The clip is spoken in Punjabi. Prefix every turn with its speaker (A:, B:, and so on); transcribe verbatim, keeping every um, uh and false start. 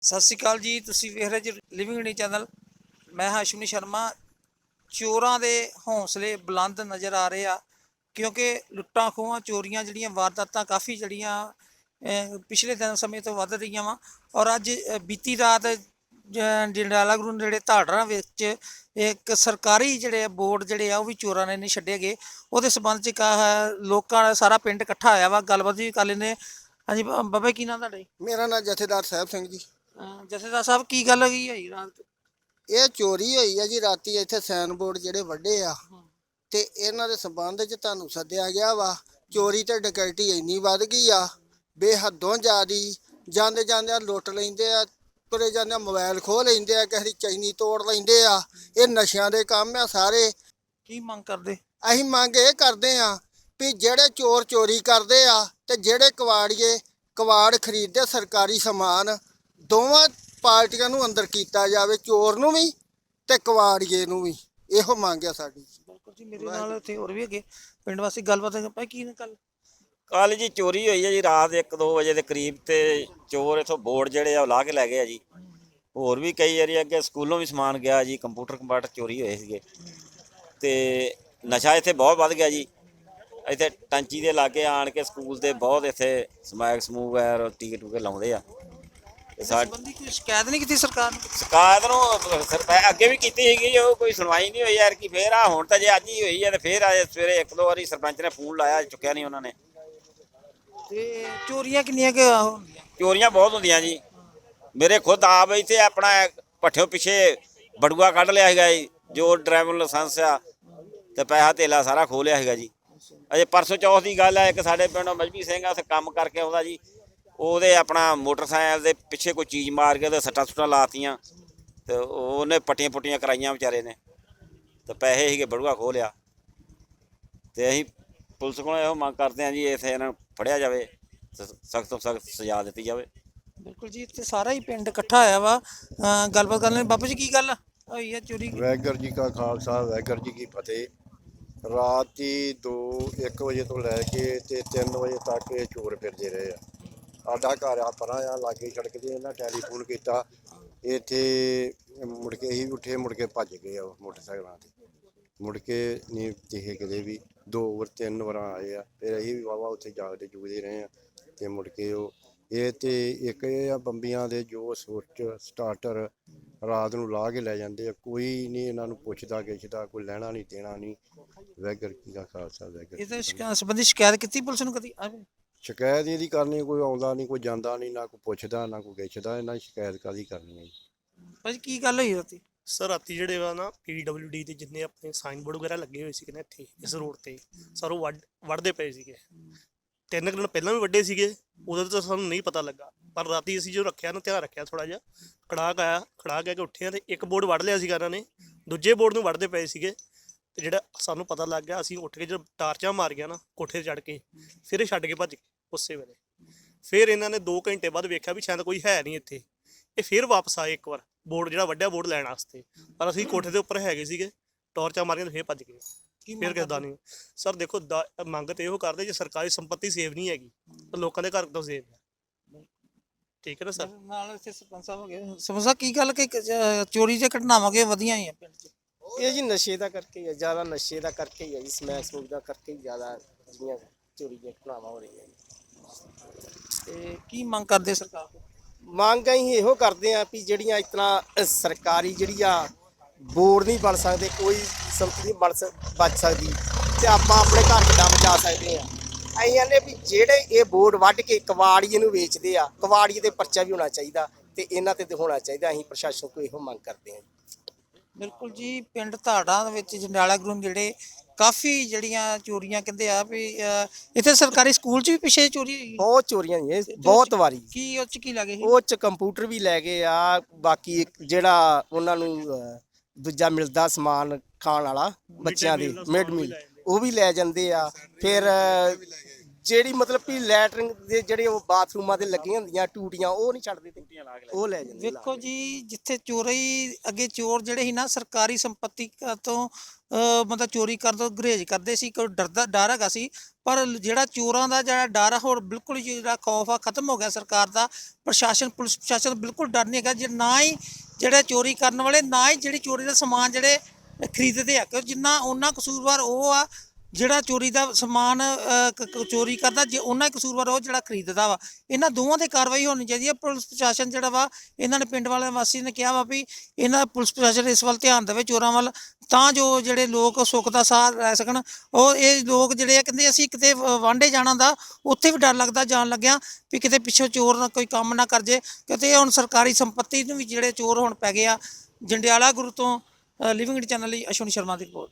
A: ਸਤਿ ਸ਼੍ਰੀ ਅਕਾਲ ਜੀ। ਤੁਸੀਂ ਵੇਖ ਰਹੇ ਜੀ ਲਿਵਿੰਗ ਇੰਡੀਆ ਚੈਨਲ। ਮੈਂ ਹਾਂ ਅਸ਼ਵਨੀ ਸ਼ਰਮਾ। ਚੋਰਾਂ ਦੇ ਹੌਸਲੇ ਬੁਲੰਦ ਨਜ਼ਰ ਆ ਰਹੇ ਆ, ਕਿਉਂਕਿ ਲੁੱਟਾਂ ਖੋਹਾਂ ਚੋਰੀਆਂ ਜਿਹੜੀਆਂ ਵਾਰਦਾਤਾਂ ਕਾਫੀ ਜਿਹੜੀਆਂ ਅਹ, ਪਿਛਲੇ ਦਿਨ ਸਮੇਂ ਤੋਂ ਵੱਧ ਰਹੀਆਂ ਵਾ। ਔਰ ਅੱਜ ਅਹ, ਬੀਤੀ ਰਾਤ ਜ- ਜੰਡਿਆਲਾ ਗੁਰੂ ਨੇੜੇ ਧਾੜਰਾਂ ਵਿੱਚ ਇੱਕ ਸਰਕਾਰੀ ਜਿਹੜੇ ਬੋਰਡ ਜਿਹੜੇ ਆ ਉਹ ਵੀ ਚੋਰਾਂ ਨੇ ਨਹੀਂ ਛੱਡੇ ਗਏ। ਉਹਦੇ ਸੰਬੰਧ 'ਚ ਇੱਕ ਆਹ ਲੋਕਾਂ ਦਾ ਸਾਰਾ ਪਿੰਡ ਇਕੱਠਾ ਹੋਇਆ ਵਾ, ਗੱਲਬਾਤ ਵੀ ਕਰ ਲੈਂਦੇ। ਹਾਂਜੀ ਬਾ- ਬਾਬਾ ਕੀ ਨਾਂ ਤੁਹਾਡਾ ਜੀ?
B: ਮੇਰਾ ਨਾਮ ਜਥੇਦਾਰ ਸਾਹਿਬ ਸਿੰਘ ਜੀ।
A: ਅਹ, ਜਥੇਦਾਰ ਸਾਹਿਬ ਕੀ ਗੱਲ ਹੋਈ ਹੈ ਜੀ ਰਾਤ?
B: ਇਹ ਚੋਰੀ ਹੋਈ ਆ ਜੀ ਰਾਤੀ ਇੱਥੇ ਸਾਈਨ ਬੋਰਡ ਜਿਹੜੇ ਵੱਡੇ ਆ ਤੇ ਇਹਨਾਂ ਦੇ ਸੰਬੰਧ 'ਚ ਤੁਹਾਨੂੰ ਸੱਦਿਆ ਗਿਆ ਵਾ। ਚੋਰੀ ਤੇ ਡਕੈਤੀ ਇੰਨੀ ਵੱਧ ਗਈ ਆ ਬੇਹੱਦੋਂ ਜ਼ਿਆਦੀ। ਜਾਂਦੇ ਜਾਂਦੇ ਲੁੱਟ ਲੈਂਦੇ ਆ, ਤੁਰੇ ਜਾਂਦੇ ਮੋਬਾਈਲ ਖੋਹ ਲੈਂਦੇ ਆ, ਕਿਸੇ ਦੀ ਚੈਨੀ ਤੋੜ ਲੈਂਦੇ ਆ। ਇਹ ਨਸ਼ਿਆਂ ਦੇ ਕੰਮ ਆ ਸਾਰੇ।
A: ਕੀ ਮੰਗ ਕਰਦੇ?
B: ਅਸੀਂ ਮੰਗ ਇਹ ਕਰਦੇ ਆ ਵੀ ਜਿਹੜੇ ਚੋਰ ਚੋਰੀ ਕਰਦੇ ਆ ਤੇ ਜਿਹੜੇ ਕਵਾੜੀਏ ਕਵਾੜ ਖਰੀਦਦੇ ਸਰਕਾਰੀ ਸਮਾਨ, ਦੋਵਾਂ ਪਾਰਟੀਆਂ ਨੂੰ ਅੰਦਰ ਕੀਤਾ ਜਾਵੇ, ਚੋਰ ਨੂੰ ਵੀ ਤੇ ਕਵਾੜੀਏ ਨੂੰ ਵੀ। ਇਹੋ ਮੰਗ ਆ ਸਾਡੀ।
A: ਬਿਲਕੁਲ ਜੀ, ਮੇਰੇ ਨਾਲ ਇੱਥੇ ਹੋਰ ਵੀ ਹੈਗੇ ਪਿੰਡ ਵਾਸੀ, ਗੱਲਬਾਤ ਆਪਾਂ ਕੀ ਨਾ ਕੱਲ
C: ਕੱਲ ਜੀ ਚੋਰੀ ਹੋਈ ਹੈ ਜੀ ਰਾਤ ਇੱਕ ਦੋ ਵਜੇ ਦੇ ਕਰੀਬ। ਤੇ ਚੋਰ ਇਥੋਂ ਬੋਰਡ ਜਿਹੜੇ ਆ ਉਹ ਲਾ ਕੇ ਲੈ ਗਏ ਆ ਜੀ। ਹੋਰ ਵੀ ਕਈ ਏਰੀਆ ਅੱਗੇ ਸਕੂਲੋਂ ਵੀ ਸਮਾਨ ਗਿਆ ਜੀ, ਕੰਪਿਊਟਰ ਕੰਪਾਟਰ ਚੋਰੀ ਹੋਏ ਸੀਗੇ। ਤੇ ਨਸ਼ਾ ਇੱਥੇ ਬਹੁਤ ਵੱਧ ਗਿਆ ਜੀ। ਇੱਥੇ ਟੈਂਚੀ ਦੇ ਲਾਗੇ ਆਣ ਕੇ ਸਕੂਲ ਦੇ ਬਹੁਤ ਇੱਥੇ ਸਮੈਕ ਸਮੂਕ ਹੈ ਟੀਕੇ ਟੂਕੇ ਲਾਉਂਦੇ ਆ। ਤੇ ਸਾ
A: ਸੰਬੰਧੀ ਕੋਈ ਸ਼ਿਕਾਇਤ ਨਹੀਂ ਕੀਤੀ ਸਰਕਾਰ ਨੂੰ?
C: ਸ਼ਿਕਾਇਤ ਨੂੰ ਸਰਪੰਚ ਅੱਗੇ ਵੀ ਕੀਤੀ ਸੀਗੀ, ਉਹ ਕੋਈ ਸੁਣਵਾਈ ਨਹੀਂ ਹੋਈ ਯਾਰ। ਕਿ ਫੇਰ ਆ ਹੁਣ ਤਾਂ ਜੇ ਅੱਜ ਹੀ ਹੋਈ ਹੈ ਤੇ ਫੇਰ ਆ ਸਵੇਰੇ ਇੱਕ ਦੋ ਵਾਰੀ ਸਰਪੰਚ ਨੇ ਫੋਨ ਲਾਇਆ, ਚੁੱਕਿਆ ਨਹੀਂ ਉਹਨਾਂ ਨੇ।
A: ਤੇ ਚੋਰੀਆਂ ਕਿੰਨੀਆਂ ਕੁ ਹੁੰਦੀਆਂ?
C: ਚੋਰੀਆਂ ਬਹੁਤ ਹੁੰਦੀਆਂ ਜੀ। ਮੇਰੇ ਖੁਦ ਆਪ ਇੱਥੇ ਆਪਣਾ ਭੱਠਿਓ ਪਿੱਛੇ ਬੜੂਆ ਕੱਢ ਲਿਆ ਸੀਗਾ ਜੀ, ਜੋ ਡਰਾਈਵਰ ਲਾਇਸੈਂਸ ਆ ਤੇ ਪੈਸਾ ਧੇਲਾ ਸਾਰਾ ਖੋਹ ਲਿਆ ਸੀਗਾ ਜੀ। ਅਜੇ ਪਰਸੋਂ ਚੌਥ ਦੀ ਗੱਲ ਹੈ, ਇੱਕ ਸਾਡੇ ਪਿੰਡੋਂ ਮਜਬੀ ਸਿੰਘ ਆ, ਉੱਥੇ ਕੰਮ ਕਰਕੇ ਆਉਂਦਾ ਜੀ। ਉਹਦੇ ਆਪਣਾ ਮੋਟਰਸਾਈਕਲ ਦੇ ਪਿੱਛੇ ਕੋਈ ਚੀਜ਼ ਮਾਰ ਕੇ ਉਹਦੇ ਸੱਟਾਂ ਸੁੱਟਾਂ ਲਾਤੀਆਂ ਤੇ ਉਹਨੇ ਪੱਟੀਆਂ ਪੁੱਟੀਆਂ ਕਰਾਈਆਂ ਵਿਚਾਰੇ ਨੇ, ਤੇ ਪੈਸੇ ਸੀਗੇ ਬੜੂਆ ਖੋਹ ਲਿਆ। ਤੇ ਅਸੀਂ ਪੁਲਿਸ ਕੋਲੋਂ ਇਹੋ ਮੰਗ ਕਰਦੇ ਹਾਂ ਜੀ, ਇੱਥੇ ਇਹਨਾਂ ਨੂੰ ਫੜਿਆ ਜਾਵੇ, ਸਖਤ ਤੋਂ ਸਖਤ ਸਜ਼ਾ ਦਿੱਤੀ ਜਾਵੇ।
A: ਬਿਲਕੁਲ ਜੀ, ਇੱਥੇ ਸਾਰਾ ਹੀ ਪਿੰਡ ਇਕੱਠਾ ਹੋਇਆ ਵਾ। ਅਹ, ਗੱਲਬਾਤ ਕਰ ਲੈਣ। ਬਾਬੂ ਜੀ ਕੀ ਗੱਲ ਹੋਈ ਹੈ ਚੋਰੀ?
D: ਵਾਹਿਗੁਰੂ ਜੀ ਕਾ ਖਾਲਸਾ ਵਾਹਿਗੁਰੂ ਜੀ ਕੀ ਫਤਿਹ। ਰਾਤੀ ਦੋ ਇੱਕ ਵਜੇ ਤੋਂ ਲੈ ਕੇ ਤੇ ਤਿੰਨ ਵਜੇ ਤੱਕ ਇਹ ਚੋਰ ਫਿਰਦੇ ਰਹੇ ਆ। ਸਾਡਾ ਘਰ ਆ ਪਰਾਂ ਆ ਲਾਗੇ ਸੜਕ ਤੇ, ਇਹਨਾਂ ਟੈਲੀਫੋਨ ਕੀਤਾ ਇੱਥੇ, ਮੁੜ ਕੇ ਅਸੀਂ ਉੱਠੇ, ਮੁੜ ਕੇ ਭੱਜ ਗਏ ਆ ਉਹ ਮੋਟਰਸਾਈਕਲਾਂ 'ਤੇ। ਮੁੜ ਕੇ ਨਹੀਂ ਦਿਖੇ ਕਿਤੇ ਵੀ। ਦੋ ਵਾਰ ਤਿੰਨ ਵਾਰਾਂ ਆਏ ਆ, ਫਿਰ ਅਸੀਂ ਵੀ ਵਾਹਵਾ ਉੱਥੇ ਜਾਗਦੇ ਜੁਗਦੇ ਰਹੇ ਆ। ਤੇ ਮੁੜ ਕੇ ਉਹ ਇਹ ਤੇ ਇੱਕ ਇਹ ਆ ਬੰਬੀਆਂ ਦੇ ਜੋ ਸੁੱਚ ਸਟਾਰਟਰ ਰਾਤ ਨੂੰ ਲਾ ਕੇ ਲੈ ਜਾਂਦੇ ਆ। ਕੋਈ ਨਹੀਂ ਇਹਨਾਂ ਨੂੰ ਪੁੱਛਦਾ ਗਿੱਛਦਾ, ਕੋਈ ਲੈਣਾ ਨਹੀਂ ਦੇਣਾ ਨਹੀਂ। ਵਾਹਿਗੁਰੂ ਜੀ ਕਾ ਖਾਲਸਾ ਵਾਹਿਗੁਰੂ।
A: ਇਹਦੇ ਸ਼ਿਕਾ- ਸੰਬੰਧੀ ਸ਼ਿਕਾਇਤ ਕੀਤੀ ਪੁਲਿਸ ਨੂੰ ਕਦੀ? ਆਵੇ
D: ਸ਼ਿਕਾਇਤ ਇਹਦੀ ਕਰਨੀ, ਕੋਈ ਆਉਂਦਾ ਨਹੀਂ, ਕੋਈ ਜਾਂਦਾ ਨਹੀਂ, ਨਾ ਕੋਈ ਪੁੱਛਦਾ ਨਾ ਕੋਈ ਗਿੱਛਦਾ। ਇਹਨਾਂ ਦੀ ਸ਼ਿਕਾਇਤ ਕਾਹਦੀ ਕਰਨੀ ਹੈ ਜੀ।
A: ਭਾਜੀ ਕੀ ਗੱਲ ਹੋਈ ਰਾਤੀ?
E: ਸਰ ਰਾਤੀ ਜਿਹੜੇ ਵਾ ਨਾ ਪੀ ਡਬਲਿਊ ਡੀ ਦੇ ਜਿੰਨੇ ਆਪਣੇ ਸਾਈਨ ਬੋਰਡ ਵਗੈਰਾ ਲੱਗੇ ਹੋਏ ਸੀਗੇ ਨਾ ਇੱਥੇ ਇਸ ਰੋਡ ਤੇ, ਸਰ ਉਹ ਵੱਢ ਵੱਢਦੇ ਪਏ ਸੀਗੇ। ਤਿੰਨ ਕੁ ਦਿਨ ਪਹਿਲਾਂ ਵੀ ਵੱਡੇ ਸੀਗੇ, ਉਦੋਂ ਤਾਂ ਸਾਨੂੰ ਨਹੀਂ ਪਤਾ ਲੱਗਾ। ਪਰ ਰਾਤੀ ਅਸੀਂ ਜੋ ਰੱਖਿਆ ਨਾ, ਧਿਆਨ ਰੱਖਿਆ ਥੋੜਾ ਜਿਹਾ, ਖੜਾਕ ਆਇਆ, ਖੜਾਕ ਆ ਕੇ ਉੱਠੇ ਆ ਤੇ ਇੱਕ ਬੋਰਡ ਵੱਢ ਲਿਆ ਸੀਗਾ ਇਹਨਾਂ ਨੇ, ਦੂਜੇ ਬੋਰਡ ਨੂੰ ਵੱਢਦੇ ਪਏ ਸੀਗੇ। ਤੇ ਜਿਹੜਾ ਸਾਨੂੰ ਪਤਾ ਲੱਗ ਗਿਆ, ਅਸੀਂ ਉੱਠ ਕੇ ਜਦੋਂ ਟਾਰਚਾਂ ਮਾਰ ਗਿਆ ਨਾ ਕੋਠੇ ਤੇ ਚੜ੍ਹ ਕੇ, ਫਿਰ ਇਹ ਛੱਡ ਕੇ ਭੱਜ ਗਏ ਉਸੇ ਵੇਲੇ। ਫਿਰ ਇਹਨਾਂ ਨੇ ਦੋ ਘੰਟੇ ਬਾਅਦ ਵੇਖਿਆ ਵੀ ਸ਼ਾਇਦ ਕੋਈ ਹੈ ਨਹੀਂ ਇੱਥੇ। ਇਹ ਫਿਰ ਵਾਪਸ ਆਏ ਇੱਕ ਵਾਰ ਬੋਰਡ ਜਿਹੜਾ ਵੱਡਿਆ ਬੋਰਡ ਲੈਣ ਵਾਸਤੇ, ਪਰ ਅਸੀਂ ਕੋਠੇ ਦੇ ਉੱਪਰ ਹੈਗੇ ਸੀਗੇ, ਟਾਰਚਾਂ ਮਾਰੀਆਂ ਤੇ ਫਿਰ ਭੱਜ ਗਏ। ਫਿਰ ਕਿਸਦਾ ਨਹੀਂ ਸਰ। ਦੇਖੋ ਦਾ ਮੰਗ ਤੇ ਇਹੋ ਕਰਦੇ, ਜੇ ਸਰਕਾਰੀ ਸੰਪत्ति ਸੇਵ ਨਹੀਂ ਹੈਗੀ ਤਾਂ ਲੋਕਾਂ ਦੇ ਘਰ ਤੋਂ ਸੇਵ ਹੈ। ਠੀਕ ਹੈ ਨਾ ਸਰ।
A: ਨਾਲ ਇੱਥੇ ਸਰਪੰਚ ਸਾਹਿਬ ਹੋ ਗਏ। ਸਰਪੰਚ ਸਾਹਿਬ ਕੀ ਗੱਲ ਕਿ ਅਹ, ਚੋਰੀ ਦੀਆਂ ਘਟਨਾਵਾਂ ਕਿ ਵਧੀਆਂ ਹੀ ਆ ਪਿੰਡ 'ਚ?
F: ਇਹ ਜੀ ਨਸ਼ੇ ਦਾ ਕਰਕੇ ਹੀ ਹੈ, ਜ਼ਿਆਦਾ ਨਸ਼ੇ ਦਾ ਕਰਕੇ ਹੀ ਹੈ ਜੀ, ਸਮੈਕ ਸਮੂਕ ਦਾ ਕਰਕੇ ਹੀ ਜ਼ਿਆਦਾ ਜਿਹੜੀਆਂ ਚੋਰੀ ਦੀਆਂ ਘਟਨਾਵਾਂ ਹੋ ਰਹੀਆਂ ਜੀ।
A: ਤੇ ਕੀ ਮੰਗ ਕਰਦੇ ਸਰਕਾਰ ਤੋਂ?
F: ਮੰਗ ਅਸੀਂ ਇਹੋ ਕਰਦੇ ਹਾਂ ਵੀ ਜਿਹੜੀਆਂ ਇਸ ਤਰ੍ਹਾਂ ਸਰਕਾਰੀ ਜਿਹੜੀ ਆ ਬੋਰਡ ਨਹੀਂ ਬਣ ਸਕਦੇ, ਕੋਈ ਸੰਪਤੀ ਨਹੀਂ ਬਣ ਸਕ ਬਚ ਸਕਦੀ, ਤੇ ਆਪਾਂ ਆਪਣੇ ਘਰ ਕਿੱਦਾਂ ਬਚਾ ਸਕਦੇ ਹਾਂ। ਅਸੀਂ ਕਹਿੰਦੇ ਵੀ ਜਿਹੜੇ ਇਹ ਬੋਰਡ ਵੱਢ ਕੇ ਕਵਾੜੀਏ ਨੂੰ ਵੇਚਦੇ ਆ, ਕਵਾੜੀਏ ਤੇ ਪਰਚਾ ਵੀ ਹੋਣਾ ਚਾਹੀਦਾ ਤੇ ਇਹਨਾਂ ਤੇ ਹੋਣਾ ਚਾਹੀਦਾ। ਅਸੀਂ ਪ੍ਰਸ਼ਾਸਨ ਕੋਲ ਇਹੋ ਮੰਗ ਕਰਦੇ ਹਾਂ।
A: ਬਿਲਕੁਲ ਜੀ, ਪਿੰਡ ਧਾੜਾਂ ਦੇ ਵਿੱਚ ਜੰਡਿਆਲਾ ਗੁਰੂ ਜਿਹੜੇ ਕਾਫੀ ਜਿਹੜੀਆਂ ਚੋਰੀਆਂ ਕਹਿੰਦੇ ਆ ਵੀ ਅਹ, ਇੱਥੇ ਸਰਕਾਰੀ ਸਕੂਲ 'ਚ ਵੀ ਪਿੱਛੇ ਚੋਰੀ ਹੋਈ।
F: ਬਹੁਤ ਚੋਰੀਆਂ ਜੀ, ਬਹੁਤ ਵਾਰੀ।
A: ਕੀ ਉਹ 'ਚ ਕੀ ਲੱਗੇ ਸੀ?
F: ਉਹ ਚ ਕੰਪਿਊਟਰ ਵੀ ਲੈ ਗਏ ਆ, ਬਾਕੀ ਇੱਕ ਜਿਹੜਾ ਉਹਨਾਂ ਨੂੰ ਅਹ, ਦੂਜਾ ਮਿਲਦਾ ਸਮਾਨ ਖਾਣ ਵਾਲਾ ਬੱਚਿਆਂ ਦੇ ਮਿਡ ਮੀਲ, ਉਹ ਵੀ ਲੈ ਜਾਂਦੇ ਆ। ਫਿਰ ਜਿਹੜੀ ਮਤਲਬ ਕਿ ਲੈਟਰਿੰਗ ਦੇ ਜਿਹੜੇ ਉਹ ਬਾਥਰੂਮਾਂ ਦੇ ਲੱਗੀਆਂ ਹੁੰਦੀਆਂ ਟੂਟੀਆਂ ਉਹ ਨਹੀਂ ਛੱਡਦੇ ਤੇ ਉਹ ਲੈ ਜਾਂਦੇ
A: ਵੇਖੋ ਜੀ ਜਿੱਥੇ ਚੋਰੀ ਅੱਗੇ ਚੋਰ ਜਿਹੜੇ ਸੀ ਨਾ ਸਰਕਾਰੀ ਸੰਪत्ति ਤੋਂ ਅਹ ਮਤਲਬ ਚੋਰੀ ਕਰਨ ਤੋਂ ਗੁਰੇਜ਼ ਕਰਦੇ ਸੀ, ਕੋਈ ਡਰਦਾ ਡਰ ਹੈਗਾ ਸੀ। ਪਰ ਜਿਹੜਾ ਚੋਰਾਂ ਦਾ ਜਿਹੜਾ ਡਰ ਆ ਹੋਰ ਬਿਲਕੁਲ ਹੀ ਜਿਹੜਾ ਖੌਫ ਆ ਖਤਮ ਹੋ ਗਿਆ ਸਰਕਾਰ ਦਾ। ਪ੍ਰਸ਼ਾਸਨ ਪੁਲਿਸ ਪ੍ਰਸ਼ਾਸਨ ਬਿਲਕੁਲ ਡਰ ਨਹੀਂ ਹੈਗਾ, ਜੇ ਨਾ ਹੀ ਜਿਹੜੇ ਚੋਰੀ ਕਰਨ ਵਾਲੇ ਨਾ ਹੀ ਜਿਹੜੀ ਚੋਰੀ ਦਾ ਸਮਾਨ ਜਿਹੜੇ ਖਰੀਦਦੇ ਆ, ਕਿਉਂ ਜਿੰਨਾ ਉਹਨਾਂ ਕਸੂਰਵਾਰ ਉਹ ਆ ਜਿਹੜਾ ਚੋਰੀ ਦਾ ਸਮਾਨ ਅਹ, ਕ- ਕ- ਚੋਰੀ ਕਰਦਾ, ਜੇ ਉਹਨਾਂ ਹੀ ਕਸੂਰਵਾਰ ਉਹ ਜਿਹੜਾ ਖਰੀਦਦਾ ਵਾ। ਇਹਨਾਂ ਦੋਵਾਂ ਤੇ ਕਾਰਵਾਈ ਹੋਣੀ ਚਾਹੀਦੀ ਹੈ। ਪੁਲਿਸ ਪ੍ਰਸ਼ਾਸਨ ਜਿਹੜਾ ਵਾ ਇਹਨਾਂ ਨੇ ਪਿੰਡ ਵਾਲੇ ਵਾਸੀ ਨੇ ਕਿਹਾ ਵਾ ਵੀ ਇਹਨਾਂ ਪੁਲਿਸ ਪ੍ਰਸ਼ਾਸਨ ਇਸ ਵੱਲ ਧਿਆਨ ਦੇਵੇ ਚੋਰਾਂ ਵੱਲ, ਤਾਂ ਜੋ ਜਿਹੜੇ ਲੋਕ ਸੁੱਖ ਦਾ ਸਾਹ ਲੈ ਸਕਣ। ਉਹ ਇਹ ਲੋਕ ਜਿਹੜੇ ਆ ਕਹਿੰਦੇ ਅਸੀਂ ਕਿਤੇ ਵ- ਵਾਂਢੇ ਜਾਣਾ ਦਾ ਉੱਥੇ ਵੀ ਡਰ ਲੱਗਦਾ ਜਾਣ ਲੱਗਿਆ ਵੀ ਕਿਤੇ ਪਿੱਛੋਂ ਚੋਰ ਨਾ ਕੋਈ ਕੰਮ ਨਾ ਕਰ ਜੇ, ਕਿਤੇ ਹੁਣ ਸਰਕਾਰੀ ਸੰਪत्ति ਨੂੰ ਵੀ ਜਿਹੜੇ ਚੋਰ ਹੁਣ ਪੈ ਗਏ ਆ। ਜੰਡਿਆਲਾ ਗੁਰੂ ਤੋਂ ਲਿਵਿੰਗ ਚੈਨਲ ਲਈ ਅਸ਼ਵਨੀ ਸ਼ਰਮਾ ਦੀ ਰਿਪੋਰਟ।